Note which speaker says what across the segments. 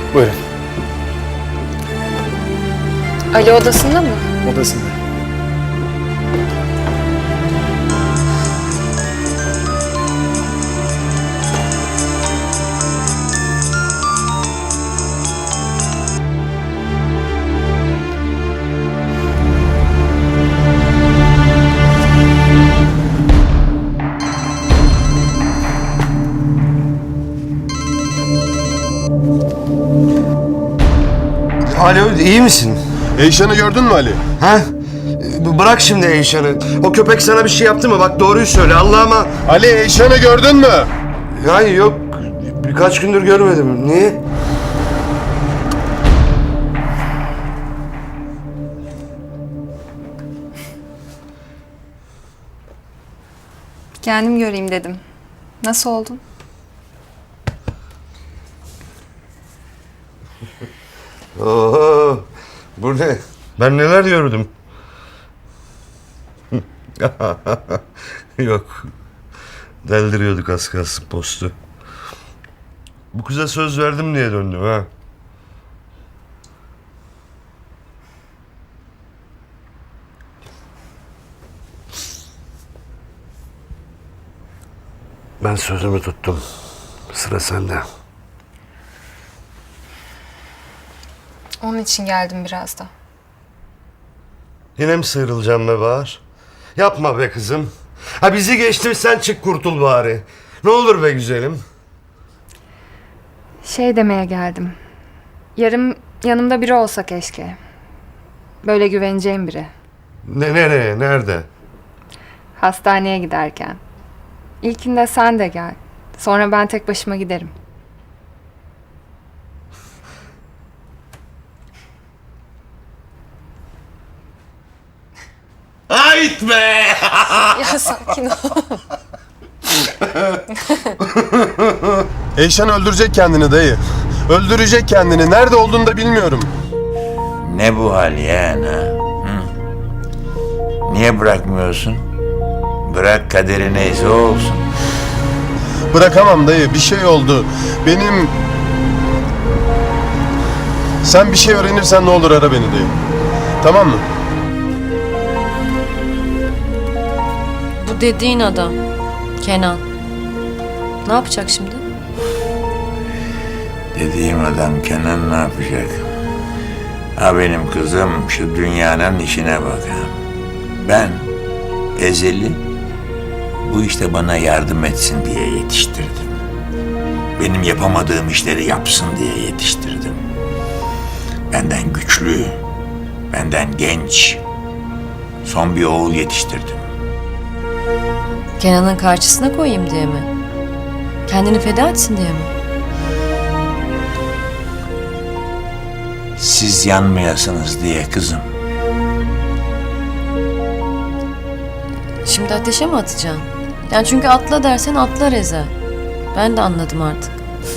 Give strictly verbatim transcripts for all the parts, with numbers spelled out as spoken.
Speaker 1: Buyurun.
Speaker 2: Ali odasında mı?
Speaker 1: Odasında.
Speaker 3: Alo, iyi misin?
Speaker 4: Eyşan'ı gördün mü Ali?
Speaker 3: Ha? B- Bırak şimdi Eyşan'ı. O köpek sana bir şey yaptı mı? Bak doğruyu söyle Allah'ıma.
Speaker 4: Ali Eyşan'ı gördün mü?
Speaker 3: Yani yok. Birkaç gündür görmedim. Niye?
Speaker 2: Kendim göreyim dedim. Nasıl oldun?
Speaker 3: Oho. Bu ne? Ben neler gördüm? Yok. Deldiriyorduk az kalsın postu. Bu kıza söz verdim diye döndüm ha. Ben sözümü tuttum. Sıra sende.
Speaker 2: Onun için geldim biraz da.
Speaker 3: Yine mi sıyrılacağım be Bahar? Yapma be kızım. Ha bizi geçtim sen çık kurtul bari. Ne olur be güzelim.
Speaker 2: Şey demeye geldim. Yarın yanımda biri olsa keşke. Böyle güveneceğim biri.
Speaker 3: Ne nereye? Nerede?
Speaker 2: Hastaneye giderken. İlkinde sen de gel. Sonra ben tek başıma giderim.
Speaker 3: Ait be!
Speaker 2: Ya sakin ol.
Speaker 4: Eyşan öldürecek kendini dayı. Öldürecek kendini. Nerede olduğunu da bilmiyorum.
Speaker 5: Ne bu hal yani ha? Hı? Niye bırakmıyorsun? Bırak kaderi neyse o olsun.
Speaker 4: Bırakamam dayı. Bir şey oldu. Benim... Sen bir şey öğrenirsen ne olur ara beni dayı. Tamam mı?
Speaker 6: Bu dediğin adam Kenan. Ne yapacak şimdi?
Speaker 5: Dediğim adam Kenan ne yapacak? Ha benim kızım şu dünyanın işine bak ha. Ben Ezeli bu işte bana yardım etsin diye yetiştirdim. Benim yapamadığım işleri yapsın diye yetiştirdim. Benden güçlü, benden genç, son bir oğul yetiştirdim.
Speaker 6: Kenan'ın karşısına koyayım diye mi? Kendini feda etsin diye mi?
Speaker 5: Siz yanmayasınız diye kızım.
Speaker 6: Şimdi ateşe mi atacaksın? Yani çünkü atla dersen atlar Ezel. Ben de anladım artık.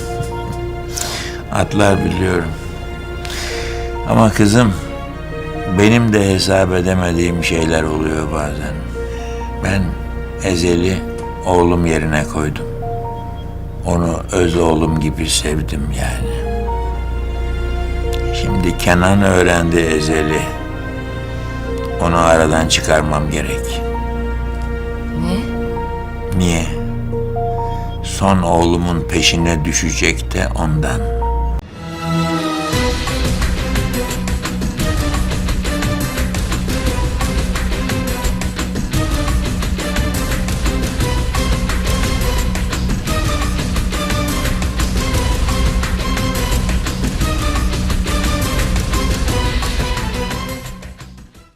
Speaker 5: Atlar biliyorum. Ama kızım, benim de hesap edemediğim şeyler oluyor bazen. Ben Ezel'i oğlum yerine koydum. Onu öz oğlum gibi sevdim yani. Şimdi Kenan öğrendi Ezel'i. Onu aradan çıkarmam gerek.
Speaker 6: Ne?
Speaker 5: Niye? Son oğlumun peşine düşecek de ondan.